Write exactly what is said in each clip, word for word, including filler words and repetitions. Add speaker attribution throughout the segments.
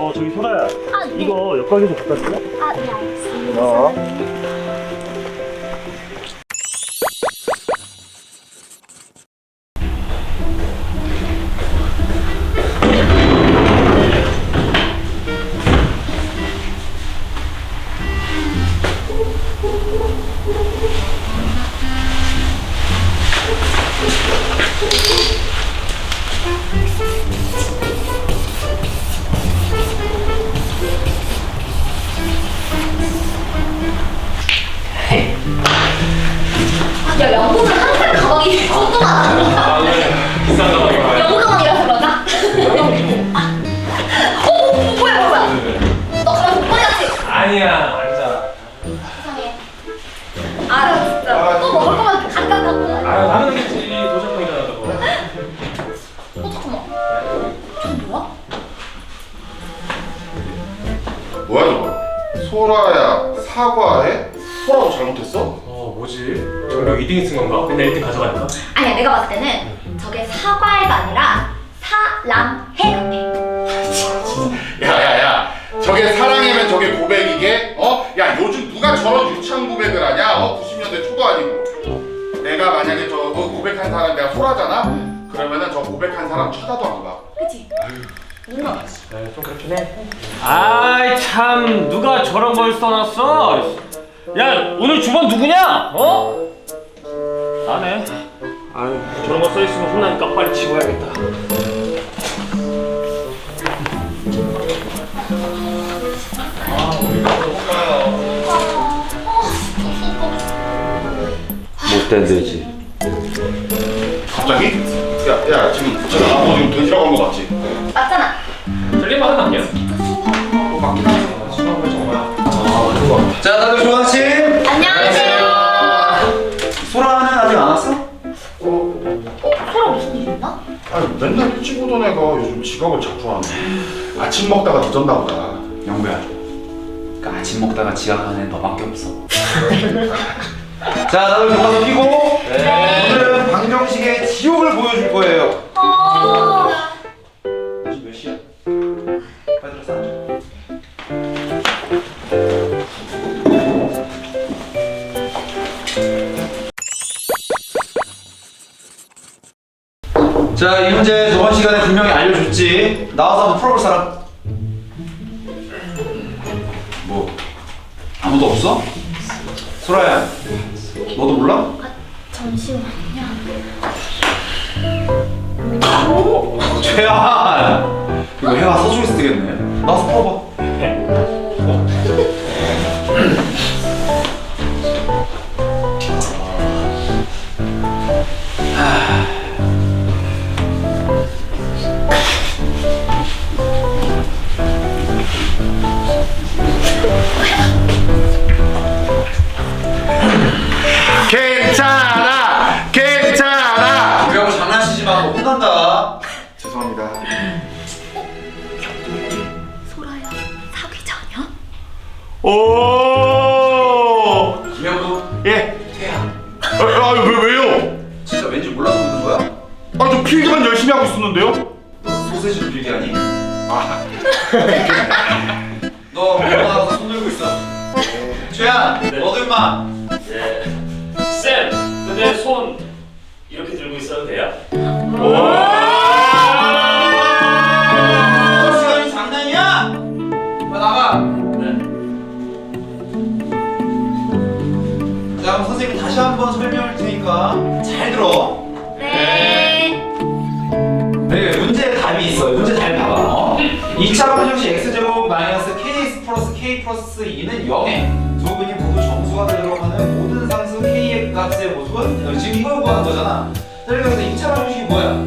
Speaker 1: 어 저기 소라야.
Speaker 2: 아, 네.
Speaker 1: 이거 옆가게 좀 갖다 줄래?
Speaker 2: 아, 네, 알겠습니다.
Speaker 1: 어.
Speaker 2: 아, 야, 영국은 항상 가방이 뚱뚱하다.
Speaker 3: 아, 네. 비싼 가방이야.
Speaker 2: 영국 가방이라서 그런가? 아. 어, 어, 뭐야, 뭐야. 너 가방 독거리 같지?
Speaker 3: 아니야, 앉아.
Speaker 2: 세상에. 아, 나 진짜. 또 먹을 거면 잠깐 갖고 가.
Speaker 3: 아, 나는 겠지 도착하기잖아, 저거.
Speaker 2: 어, 잠깐만. 저거 뭐야?
Speaker 4: 뭐야 저거? 소라야 사과해? 소라도 잘못했어?
Speaker 3: 어, 뭐지? 전교 이 등이 쓴 건가? 맨날 일 등 가져가니까?
Speaker 2: 아니야, 내가 봤을 때는 저게 사과해가 아니라 사랑해 같아.
Speaker 4: 야야야 저게 사랑이면 저게 고백이게? 어? 야 요즘 누가 저런 유치한 고백을 하냐? 어? 구십 년대 초도 아니고 내가 만약에 저 어, 고백한 사람 내가 소라잖아? 그러면은 저 고백한 사람 쳐다도 안 봐.
Speaker 2: 그치? 누나.
Speaker 3: 네, 좀 그렇긴 해.
Speaker 5: 아이 참 누가 저런 걸 써놨어? 야 오늘 주번 누구냐? 어? 나네. 아유 저런 거 써있으면 혼나니까 빨리 치워야겠다.
Speaker 6: 못된 돼지.
Speaker 4: 갑자기? 야야 지금 저 너 지금 돼지라고 한 거 맞지?
Speaker 2: 맞잖아.
Speaker 3: 틀린 말은 아니야.
Speaker 4: 어, 맞긴 하지.
Speaker 3: 수학을 정말.
Speaker 6: 자, 다들 좋은 아침.
Speaker 2: 안녕하세요.
Speaker 6: 소라는 아직 안 왔어?
Speaker 4: 어?
Speaker 2: 어, 소라 무슨 일 있나?
Speaker 4: 아니 맨날 일찍 오던 애가 요즘 지각을 자주 하네. 아침 먹다가 늦었나 보다.
Speaker 6: 영구야. 그 아침 먹다가 지각하는 애 너밖에 없어. 자, 다들 교과서 피고. 네. 오늘은 방정식의 지옥을 보여줄 거예요.
Speaker 2: 어...
Speaker 6: 지금 몇 시야? 빨리 들어서 앉아. 자, 이 문제 저번 시간에 분명히 알려줬지. 나와서 한번 풀어볼 사람. 뭐 아무도 없어? 소라야, 너도 몰라?
Speaker 2: 아, 잠시만요.
Speaker 6: 오, 최한. 이거 해가 서쪽에서 뜨겠네. 나와서 풀어봐.
Speaker 4: 괜찮아! 괜찮아!
Speaker 6: 우리하고 장난치지 마. 너 혼난다.
Speaker 4: 죄송합니다.
Speaker 2: 소라야, 사귀자 아니야?
Speaker 4: 오!
Speaker 6: 김영도,
Speaker 4: 예.
Speaker 6: 태양.
Speaker 4: 아, 아 왜, 왜요?
Speaker 6: 진짜 왠지 몰라서 묻는 거야?
Speaker 4: 아, 저 필기만 열심히 하고 있었는데요?
Speaker 6: 너 소세지도 필기하니?
Speaker 4: 아,
Speaker 6: 너 번호 나가서 손 들고 있어. 최한, 너도 임마.
Speaker 5: 예. 쌤, 근데 손 이렇게 들고 있어도 돼요?
Speaker 6: 너 시간이 장난이야? 빨리 나가.
Speaker 5: 네.
Speaker 6: 자, 그럼 선생님이 다시 한번 설명할 테니까 잘 들어.
Speaker 2: 네.
Speaker 6: 네, 문제 답이 있어요. 문제 잘 봐봐. 어? 이 차 방정식 x제곱 마이너스 kx 플러스 k 플러스 이는 영에 두 분이 모두 정수가 되도록 하는 모든 상수 k의 값의 모습은 어, 지금 이걸 구하는 거잖아. 자, 그래서 이 차 방정식이 뭐야?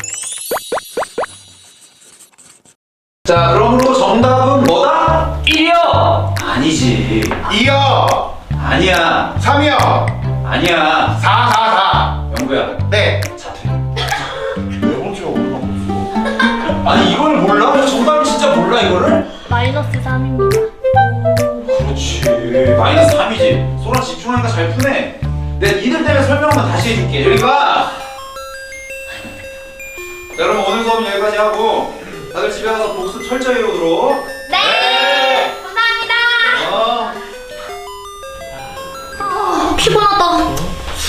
Speaker 6: 자, 그러므로 정답은 뭐다?
Speaker 5: 일이요.
Speaker 6: 아니지.
Speaker 4: 이요!
Speaker 6: 아니야.
Speaker 4: 삼이요!
Speaker 6: 아니야.
Speaker 4: 사, 사, 사!
Speaker 6: 영구야.
Speaker 4: 네!
Speaker 6: 자퇴.
Speaker 4: 네 번째가 올라가고 있어.
Speaker 6: 아니 이걸 몰라? 정답을 진짜 몰라 이거를?
Speaker 2: 마이너스 삼입니다.
Speaker 6: 그렇지. 마이너스 삼이지. 소라 집중하니까 잘 푸네. 내가 니들 때문에 설명 한번 다시 해줄게. 여기 봐. 자, 그럼 오늘 수업은 여기까지 하고 다들 집에 가서 복습 철저히 해오도록.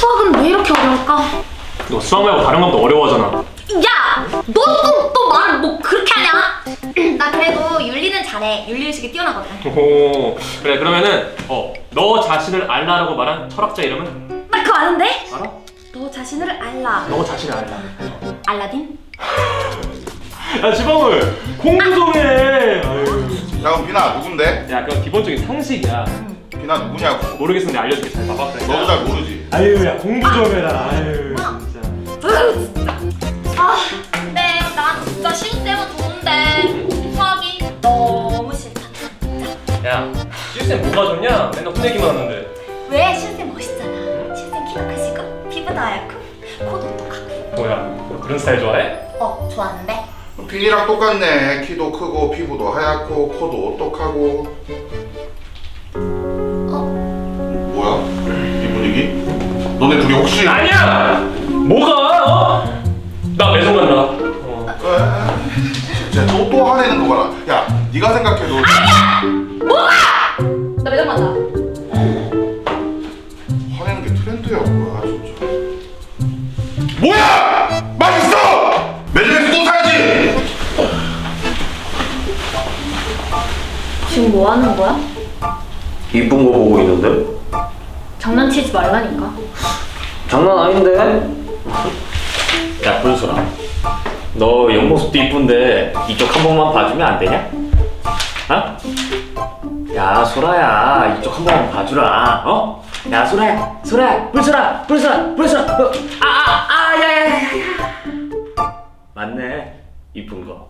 Speaker 2: 수학은 왜 이렇게 어려울까?
Speaker 3: 너 수학 말고 다른 것도 어려워하잖아.
Speaker 2: 야! 너또또 말을 뭐 그렇게 하냐? 나 그래도 윤리는 잘해. 윤리의식이 뛰어나거든.
Speaker 3: 오, 그래 그러면은 어, 너 자신을 알라라고 말한 철학자 이름은?
Speaker 2: 나 그거 아는데?
Speaker 3: 알아?
Speaker 2: 너 자신을 알라.
Speaker 3: 너 자신을 알라.
Speaker 2: 알라딘?
Speaker 3: 야 지방울 공부 좀 해. 아유.
Speaker 4: 야 그럼 비나 누군데?
Speaker 3: 야 그건 기본적인 상식이야.
Speaker 4: 비나 누구냐고.
Speaker 3: 모르겠으면 내가 알려줄게. 잘 봐봐. 그래.
Speaker 4: 너도 잘 모르지.
Speaker 3: 아유 야 공부 좀 해라. 아유 진짜.
Speaker 2: 으, 진짜. 아, 근데 난 진짜 신쌤은 좋은데 수학이 너무 싫다.
Speaker 3: 야 실쌤 뭐가 좋냐? 맨날 혼내기만 하는데.
Speaker 2: 왜? 신쌤 멋있잖아. 신쌤 키가 크시고 피부도 하얗고 코도 똑하고.
Speaker 3: 뭐야 너 그런 스타일 좋아해?
Speaker 2: 어, 좋아하는데?
Speaker 4: 빈이랑 똑같네. 키도 크고 피부도 하얗고 코도 오똑하고.
Speaker 2: 어?
Speaker 4: 뭐야? 이 분위기? 너네 둘이 혹시?
Speaker 3: 아니야! 뭐가? 어? 나 매송 간다. 어.
Speaker 4: 진짜 또, 또 화내는 거 봐라. 야, 네가 생각해도.
Speaker 2: 뭐가? 나 매점 간다.
Speaker 4: 화내는 게 트렌드야 뭐야 진짜. 뭐야! 맛있어! 매점에서 또 사야지.
Speaker 2: 지금 뭐 하는 거야?
Speaker 5: 이쁜 거 보고 있는데?
Speaker 2: 장난치지 말라니까.
Speaker 5: 장난 아닌데? 야 불소라, 너 옆모습도 이쁜데 이쪽 한 번만 봐주면 안 되냐? 어? 야 소라야, 이쪽 한 번만 봐주라. 어? 야 소라야, 소라야, 불소라, 불소라, 불소라. 어, 아아아 야야야. 맞네, 이쁜 거.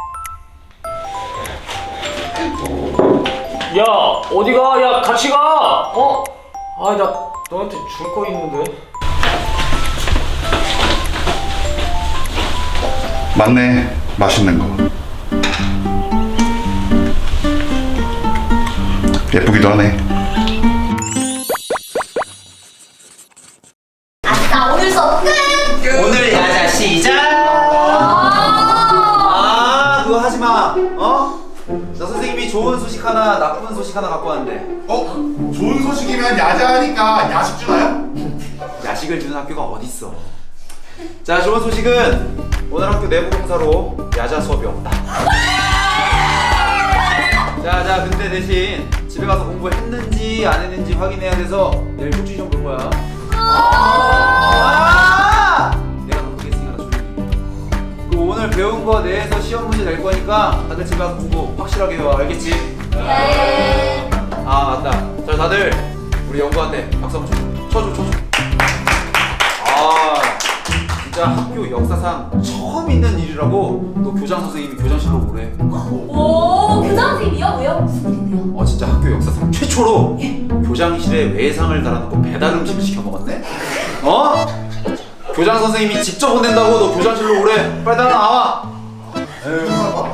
Speaker 5: 야 어디가? 야 같이 가. 어? 아 나 너한테 줄 거 있는데.
Speaker 4: 맞네, 맛있는 거. 예쁘기도 하네.
Speaker 2: 아싸, 오늘 수업 끝!
Speaker 6: 오늘 야자 시작. 아 그거 하지 마. 어? 나 선생님이 좋은 소식 하나, 나쁜 소식 하나 갖고 왔는데.
Speaker 4: 어? 좋은 소식이면 야자하니까 야식 주나요?
Speaker 6: 야식을 주는 학교가 어딨어? 자, 좋은 소식은 오늘 학교 내부 공사로 야자 수업이 없다. 자, 자, 근데 대신 집에 가서 공부했는지 안 했는지 확인해야 돼서 내일 쪽지 좀 볼 거야. 아! 내가 그렇게 했으니까 나 조용히. 그리고 오늘 배운 거 내에서 시험 문제 낼 거니까 다들 집에 가서 공부 확실하게 해와. 알겠지?
Speaker 2: 네.
Speaker 6: 아, 맞다. 자, 다들 우리 연구한테 박수 한번 쳐. 쳐줘, 쳐줘. 아, 진짜 학교 역사상 처음 있는 일이라고 너 교장 선생님이 교장실로 오래.
Speaker 2: 오, 교장 선생님이요? 왜요? 무슨 일인데요?
Speaker 6: 어, 진짜 학교 역사상 최초로 교장실에 외상을 달아놓고 배달 음식을 시켜 먹었네? 어? 교장 선생님이 직접 혼낸다고 너 교장실로 오래. 빨리 따라 나와. 에휴.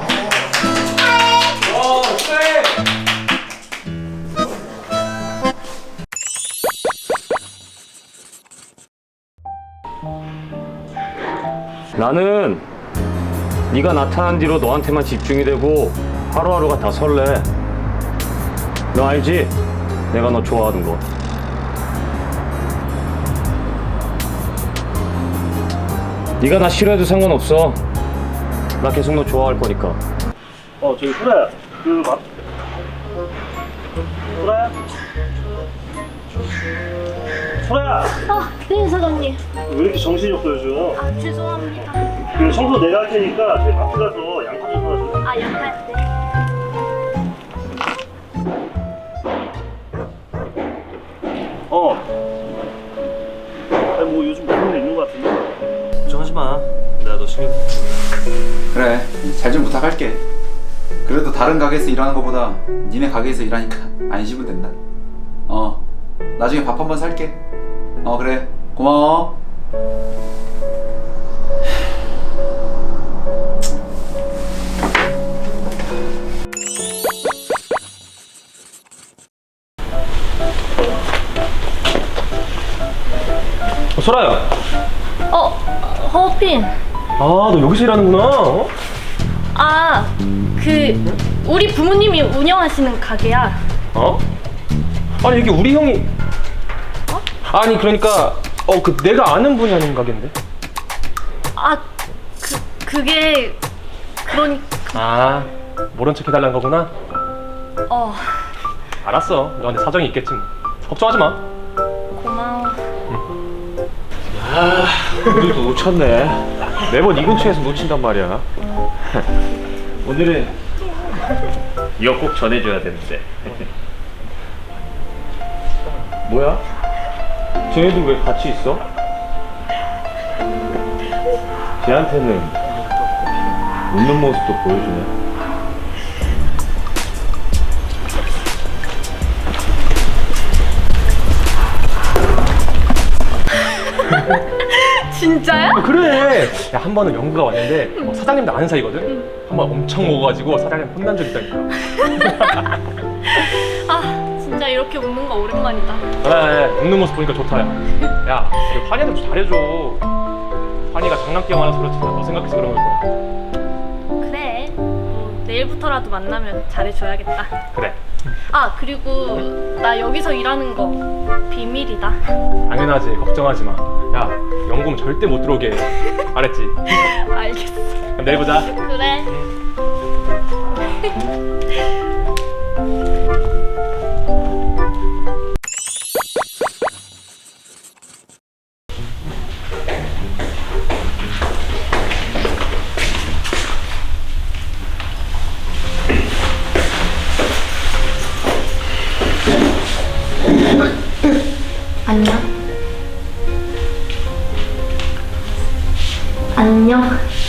Speaker 3: 와 쎄!
Speaker 5: 나는 네가 나타난 뒤로 너한테만 집중이 되고 하루하루가 다 설레. 너 알지? 내가 너 좋아하는 거. 네가 나 싫어해도 상관없어. 나 계속 너 좋아할 거니까.
Speaker 1: 어 저기 소라야 그 막 소라야 소라야
Speaker 2: 아, 네, 사장님.
Speaker 1: 왜 이렇게 정신이 없어 요즘.
Speaker 2: 아, 죄송합니다.
Speaker 1: 그 청소 내가 할 테니까 저희 마트 가서 양파 좀 사줘.
Speaker 2: 아, 양말 때.
Speaker 1: 어 아니 뭐 요즘 무슨 일 있는 거 같은데 걱정하지 마 내가 너 신경
Speaker 6: 그래, 잘 좀 부탁할게. 그래도 다른 가게에서 일하는 것보다 니네 가게에서 일하니까 안심은 된다. 어, 나중에 밥 한번 살게. 어, 그래, 고마워.
Speaker 3: 어, 소라야.
Speaker 2: 어, 허핀.
Speaker 3: 아 너 여기서 일하는구나. 어?
Speaker 2: 아, 그 우리 부모님이 운영하시는 가게야.
Speaker 3: 어? 아니 이게 우리 형이. 어? 아니 그러니까
Speaker 5: 어, 그 내가 아는 분이 아닌 가게인데.
Speaker 2: 아, 그 그게 그러니
Speaker 5: 아, 모른 척 해달라는 거구나.
Speaker 2: 어
Speaker 5: 알았어. 너한테 사정이 있겠지 뭐. 걱정하지 마.
Speaker 2: 고마워.
Speaker 5: 아, 오늘도 놓쳤네. 매번 이 근처에서 놓친단 말이야. 오늘은 이거 꼭 전해줘야 되는데. 뭐야? 쟤네들 왜 같이 있어? 쟤한테는 웃는 모습도 보여주네.
Speaker 2: 진짜야?
Speaker 5: 아, 그래. 야, 한 번은 영구가 왔는데 어, 사장님도 아는 사이거든. 한 번 엄청 먹어가지고 사장님 혼난 적 있다니까.
Speaker 2: 아 진짜 이렇게 웃는 거 오랜만이다.
Speaker 5: 그래, 웃는 모습 보니까 좋다. 야, 야, 우리 환희한테 좀 잘해줘. 환희가 장난기 많아서 그렇지. 너 생각해서 그런 걸 거야.
Speaker 2: 그래. 뭐 내일부터라도 만나면 잘해줘야겠다.
Speaker 5: 그래.
Speaker 2: 아 그리고 나 여기서 일하는 거 비밀이다.
Speaker 5: 당연하지. 걱정하지 마. 야, 연금 절대 못 들어오게 해. 알았지?
Speaker 2: 알겠어.
Speaker 5: 그럼 내일 보자.
Speaker 2: 그래. 안녕. 안녕.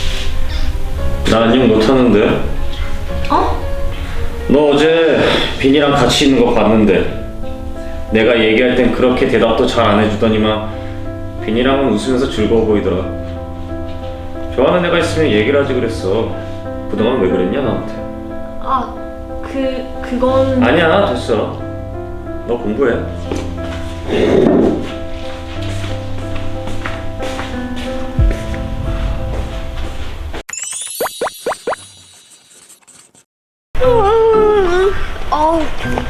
Speaker 1: 나 안녕 못하는데.
Speaker 2: 어?
Speaker 1: 너 어제 빈이랑 같이 있는 거 봤는데 내가 얘기할 땐 그렇게 대답도 잘 안 해주더니만 빈이랑은 웃으면서 즐거워 보이더라. 좋아하는 애가 있으면 얘기를 하지 그랬어. 그동안 왜 그랬냐 나한테.
Speaker 2: 아, 그 그건
Speaker 1: 아니야 됐어. 너 공부해.
Speaker 2: 어우.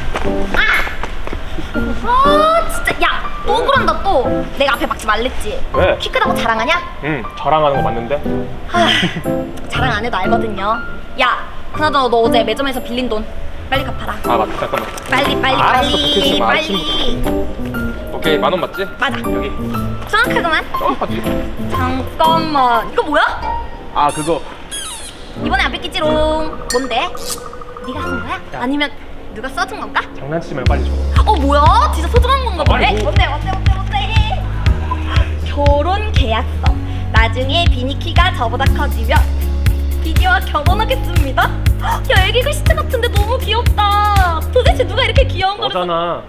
Speaker 2: 아! 아, 진짜 야, 또 그런다 또. 내가 앞에 막지 말랬지.
Speaker 5: 왜?
Speaker 2: 키 크다고 자랑하냐?
Speaker 5: 응, 자랑하는 거 맞는데?
Speaker 2: 아, 자랑 안 해도 알거든요. 야, 그나저나 너 어제 매점에서 빌린 돈 빨리 갚아라.
Speaker 5: 아, 맞다. 잠깐만.
Speaker 2: 빨리 빨리
Speaker 5: 알았어,
Speaker 2: 빨리
Speaker 5: 붙이지 마.
Speaker 2: 빨리.
Speaker 5: 오케이, 만 원 맞지?
Speaker 2: 맞아.
Speaker 5: 여기.
Speaker 2: 정확하구만.
Speaker 5: 어, 맞지?
Speaker 2: 잠깐만. 이거 뭐야?
Speaker 5: 아, 그거.
Speaker 2: 이번에 안 뺏기지롱. 뭔데? 네가 쓴 거야? 아니면 누가 써준 건가?
Speaker 5: 장난치지 말고 빨리 줘.
Speaker 2: 어 뭐야? 진짜 소중한 건가
Speaker 5: 빨리
Speaker 2: 보네.
Speaker 5: 줘.
Speaker 2: 뭔데 뭔데 뭔데 뭔데? 결혼 계약서. 나중에 비니 키가 저보다 커지면 비니와 결혼하겠습니다. 야 애기 글씨체 같은데 너무 귀엽다. 도대체 누가 이렇게 귀여운 거를?
Speaker 5: 너잖아.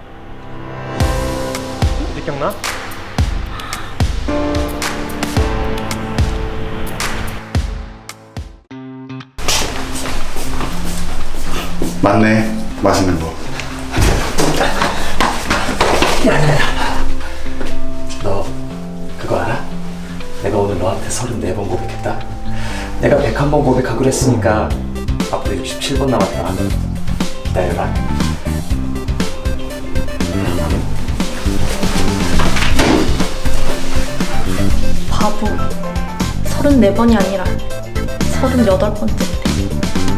Speaker 5: 이제 기억나?
Speaker 4: 맞네. 맛있는 거.
Speaker 7: 너 그거 알아? 내가 오늘 너한테 서른네 번 고백했다. 내가 백한 번 고백하기로 했으니까 앞으로 육십칠 번 남았다. 기다려라.
Speaker 2: 바보. 서른네 번이 아니라 서른여덟 번째인데.